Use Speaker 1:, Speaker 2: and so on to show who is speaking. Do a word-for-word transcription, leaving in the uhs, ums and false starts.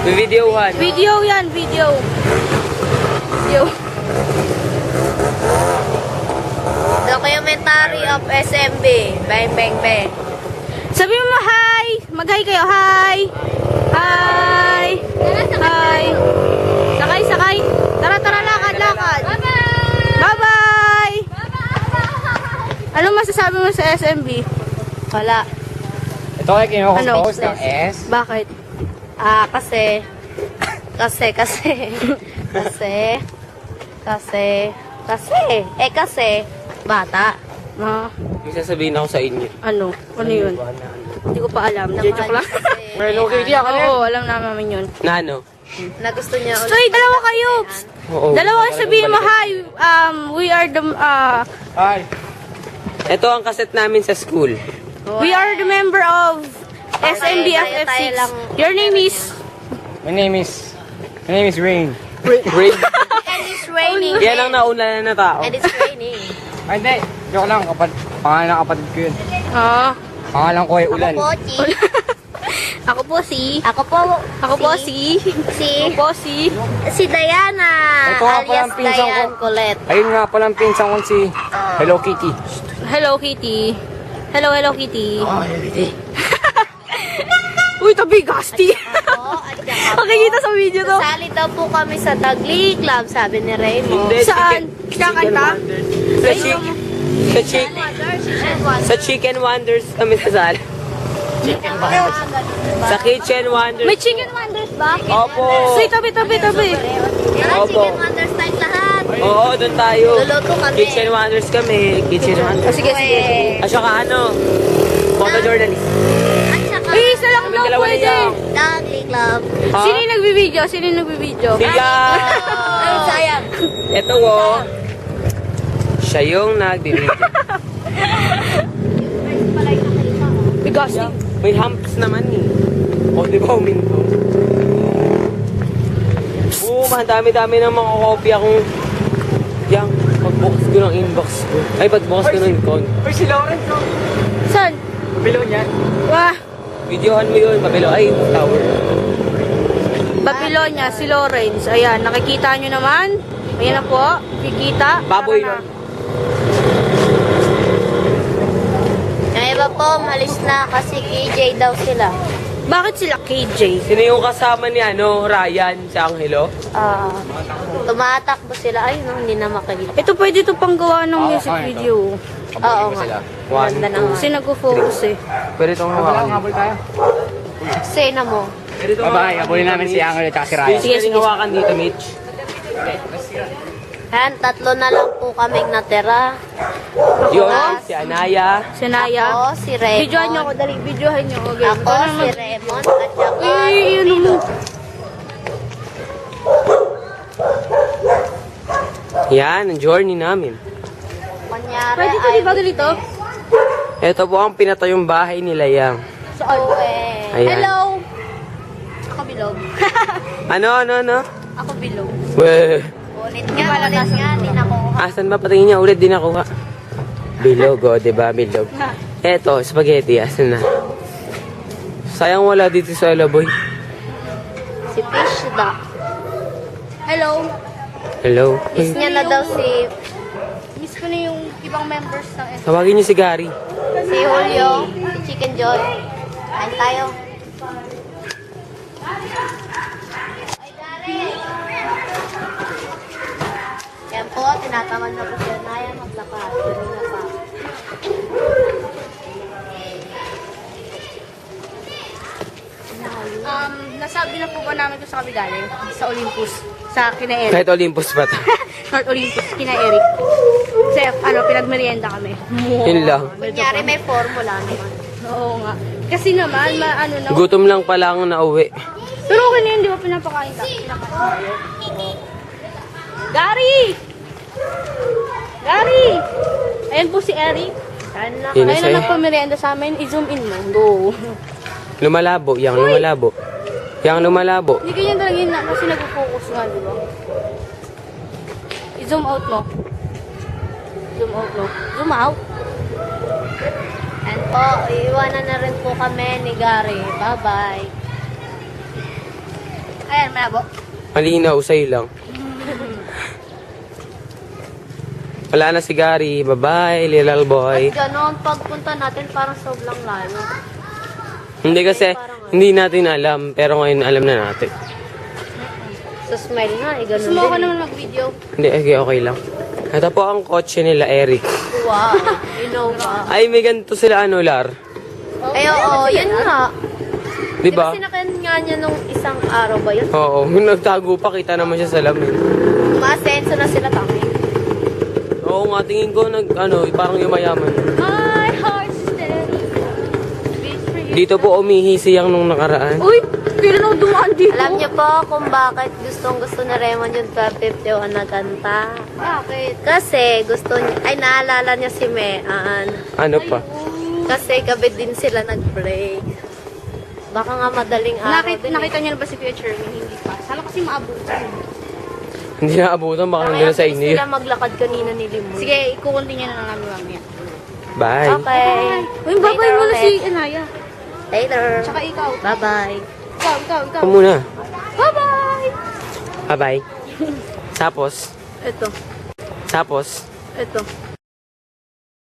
Speaker 1: Videohan.
Speaker 2: Video yan, video. Video.
Speaker 3: Documentary of S M B. Bang, bang, bang.
Speaker 2: Sabi mo hi! Mag-hi kayo, hi! Hi! Hi! Sakay, sakay! Tara, tara, lakad, lakad! Bye-bye! Ano masasabi mo sa S M B?
Speaker 3: Wala.
Speaker 1: Ito ay kinukompose
Speaker 2: Ano?
Speaker 1: ng S.
Speaker 2: Bakit?
Speaker 3: Ah, kasi, kasi, kasi, kasi, kasi, kasi, eh kasi, bata.
Speaker 2: Ah,
Speaker 1: May sasabihin ako sa inyo.
Speaker 2: ano? Ano yun? Hindi ko pa alam.
Speaker 3: Namahal
Speaker 2: Joke lang.
Speaker 3: kasi,
Speaker 1: Well, okay, di ako
Speaker 2: Oo, alam namin yun.
Speaker 1: Na ano?
Speaker 3: na gusto niya ulit.
Speaker 2: Uy, dalawa kayo!
Speaker 1: Oo.
Speaker 2: Dalawa kayo sabihin mo, hi! Um, we are the, uh,
Speaker 1: Hi. Ito ang kaset namin sa school.
Speaker 2: we are the member of S M B F F
Speaker 3: Tayo
Speaker 2: six.
Speaker 3: lang.
Speaker 2: Your name is?
Speaker 4: My name is, my name is Rain.
Speaker 1: Break.
Speaker 3: And it's raining.
Speaker 1: Yan ang nauna na tao.
Speaker 3: And it's raining.
Speaker 4: Ay, hindi. Joke lang. Kapag, pangalan ng kapatid ko yun.
Speaker 2: Ah.
Speaker 4: Pangalan ko ay Ulan.
Speaker 3: Ako po, Chi.
Speaker 2: Ako po si...
Speaker 3: Ako po,
Speaker 2: Ako po si...
Speaker 3: si,
Speaker 2: Ako po si...
Speaker 3: si Diana.
Speaker 4: Ito nga pala
Speaker 3: Alias
Speaker 4: ang pinsan ko.
Speaker 3: Diane Colette.
Speaker 4: Ayun nga pala ang pinsan ko si Hello Kitty.
Speaker 2: Hello, Kitty. Hello, hello, Kitty. Uy, tabi, Gasti.
Speaker 3: Ako, at saka po,
Speaker 2: Makikita sa video to.
Speaker 3: sali daw po kami sa Tagli Club, sabi ni Raymond.
Speaker 1: Hindi,
Speaker 2: Saan?
Speaker 1: chicken-
Speaker 2: Kakanta?
Speaker 1: Sa chick... Sa chick... Sa Chicken Wonders kami sasali. Sa Kitchen Wonders.
Speaker 2: May chicken wonders ba?
Speaker 1: Opo.
Speaker 2: Uy, tabi, tabi, tabi.
Speaker 3: Tara,
Speaker 1: Opo.
Speaker 3: Chicken Wonders type lahat.
Speaker 1: Oo, doon tayo.
Speaker 3: Luluto kami.
Speaker 1: Kitchen Wonders kami. Kitchen
Speaker 2: Oh,
Speaker 1: Wonders.
Speaker 2: sige, sige.
Speaker 1: At saka ano, photojournalist.
Speaker 3: At saka,
Speaker 2: Uy, isa lang
Speaker 1: Kami
Speaker 2: daw
Speaker 1: dalawa na
Speaker 2: pwede.
Speaker 1: yan.
Speaker 3: Tagli Club.
Speaker 1: Ha?
Speaker 2: Sino yung nagbibideo? Sino yung nagbibideo?
Speaker 1: Sila.
Speaker 3: Ay, sayang.
Speaker 1: Ito wo. Siya yung nagbibideo.
Speaker 2: Uy, Gasti.
Speaker 1: May humps naman eh. O, di ba uminto? Oo, ang dami-dami ng mga kopya kung... Yang, pagbukas ko ng inbox ko. Ay, pagbukas ko ng con.
Speaker 4: Uy, si Lawrence, no?
Speaker 2: Saan?
Speaker 4: Bilo niyan.
Speaker 2: Wah,
Speaker 1: Videohan mo yun, Pabilo. Ay, tower.
Speaker 2: Babylonia, si Lawrence. Ayan, nakikita nyo naman. Ayan na po, kikita.
Speaker 1: Baboy
Speaker 2: Tara na.
Speaker 1: yun.
Speaker 3: Yung iba po, malis na kasi K J daw sila.
Speaker 2: Bakit sila K J?
Speaker 1: Sino yung kasama ni ano, Ryan sa Angelo?
Speaker 3: Ah, tumatakbo sila. Ay, no, hindi na makikita.
Speaker 2: Ito pwede ito pang gawa ng
Speaker 4: Oo,
Speaker 2: music
Speaker 4: kaya ito.
Speaker 2: video.
Speaker 3: Oo nga.
Speaker 1: One,
Speaker 3: Ganda na nga.
Speaker 2: Kasi nag-focus eh.
Speaker 1: Pwede itong
Speaker 4: Wala,
Speaker 1: hawakan.
Speaker 4: habol tayo.
Speaker 3: Sena mo.
Speaker 1: Pwede itong
Speaker 4: Bye-bye. Habulin namin si Angelo at si Ryan.
Speaker 1: Mitch,
Speaker 2: Sige,
Speaker 1: pwede
Speaker 2: sige.
Speaker 1: hawakan dito, Mitch.
Speaker 3: Ayan, tatlo na lang po kaming natira.
Speaker 1: Yun, si Anaya.
Speaker 2: Si Naya.
Speaker 3: Ako, si Raymond.
Speaker 2: Videohan nyo ako, dali. Videohan nyo ako. Okay.
Speaker 3: Ako, si Raymond, at saka
Speaker 2: Uy,
Speaker 3: si
Speaker 2: yun mo.
Speaker 1: Yan, ang journey namin.
Speaker 3: Kunyari
Speaker 2: Pwede ito,
Speaker 3: ay
Speaker 2: di ba dito?
Speaker 1: Ito po ang pinatayong bahay nila Yang.
Speaker 2: Saan?
Speaker 3: eh.
Speaker 1: Ayan.
Speaker 2: Hello!
Speaker 3: Ako bilog.
Speaker 1: Ano, ano, ano?
Speaker 3: Ako bilog.
Speaker 1: Weh.
Speaker 3: Ulit nga, ulit nga, hindi na ko.
Speaker 1: Asan ba? Patingin niya ulit, di nakuha. Bilog, oh, diba? Bilog. Eto, spaghetti. Asan na? Sayang wala dito sa Alaboy.
Speaker 3: Si Fish da.
Speaker 2: Hello!
Speaker 1: Hello?
Speaker 3: Miss niya na daw si
Speaker 2: Miss ko na yung ibang members ng S M B.
Speaker 1: Tawagin niyo si Gary.
Speaker 3: si Julio, si Chicken Joy. Kain tayo. Ay, Gary! Yan po, tinatawan na po si Anaya maglakad. Kanina pa.
Speaker 2: Um, nasabi na po ba namin ito sa kami galing? Sa Olympus. Sa kina Eric.
Speaker 1: Kahit Olympus pa to.
Speaker 2: North Olympus, kina Eric. Kasi ano, pinagmerienda kami.
Speaker 1: Yun lang.
Speaker 3: Kunyari may formula naman.
Speaker 2: Oo nga. Kasi naman, ma, ano na.
Speaker 1: Gutom lang pala ang nauwi.
Speaker 2: Pero okay na yun, di ba pinapakain ka? Pinapakain tayo. Gary! Gary! Ayan po si Eric.
Speaker 3: Kain na.
Speaker 1: Yun na
Speaker 2: Ayun
Speaker 1: sa'yo.
Speaker 2: na nagpamerienda sa amin. I-zoom in mo. Go.
Speaker 1: Lumalabo. Yang lumalabo. Yang lumalabo.
Speaker 2: Hindi ganyan talaga yun na kasi nag-focus nga, di ba? I-zoom out mo. Zoom out mo. Zoom out.
Speaker 3: And po, iiwanan na rin po kami ni Gary. Bye-bye.
Speaker 2: malabo.
Speaker 1: Malinaw, sa'yo lang. Wala na si Gary. Bye-bye, little boy.
Speaker 3: Ganon, pagpunta natin parang sobrang layo.
Speaker 1: Hindi kasi, hindi natin alam. Pero ngayon, alam na natin.
Speaker 3: So smile nga, eh, ganun
Speaker 2: Gusto mo ako
Speaker 3: din.
Speaker 2: naman mag-video?
Speaker 1: Hindi, okay, okay lang. Ito po ang kotse nila, Eric.
Speaker 3: Wow, Innova.
Speaker 1: Ay, may ganito sila, ano, Lar?
Speaker 3: Ay, oo, yun nga.
Speaker 1: Di ba?
Speaker 3: Di ba sinakyan nga niya nung isang araw ba yun?
Speaker 1: Oo, nagtago pa, kita naman siya sa lamin.
Speaker 3: Maasenso na sila kami.
Speaker 1: Oo nga, tingin ko, nag, ano, parang yumayaman.
Speaker 2: My heart's steady. Beats for you.
Speaker 1: Dito po umihi siyang nung nakaraan.
Speaker 2: Uy, kailan ako dumaan dito?
Speaker 3: Alam niyo po kung bakit gustong gusto na Raymond yung twelve fifty-one na kanta.
Speaker 2: Bakit?
Speaker 3: Kasi gusto niya, ay naalala niya si Mean.
Speaker 1: Ano pa?
Speaker 3: Kasi gabi din sila nag-break. Baka nga madaling araw
Speaker 2: Nakita,
Speaker 3: din.
Speaker 2: nakita niyo na ba si Kuya Cherwin? Hindi pa. Sana kasi maabutan.
Speaker 1: Hindi na abutan, baka nandun na sa inyo.
Speaker 3: sila maglakad kanina ni Limon.
Speaker 2: Sige, ikukontinue na lang namin mamaya.
Speaker 1: Bye.
Speaker 3: Okay.
Speaker 2: Uy, babay
Speaker 3: Later
Speaker 2: mo na
Speaker 3: ulit.
Speaker 2: si Anaya.
Speaker 3: Later.
Speaker 2: Tsaka ikaw.
Speaker 3: Bye-bye.
Speaker 2: Ikaw, ikaw, ikaw.
Speaker 1: Ako muna.
Speaker 2: Bye-bye!
Speaker 1: Bye-bye. Tapos,
Speaker 2: Ito.
Speaker 1: tapos,
Speaker 2: Ito.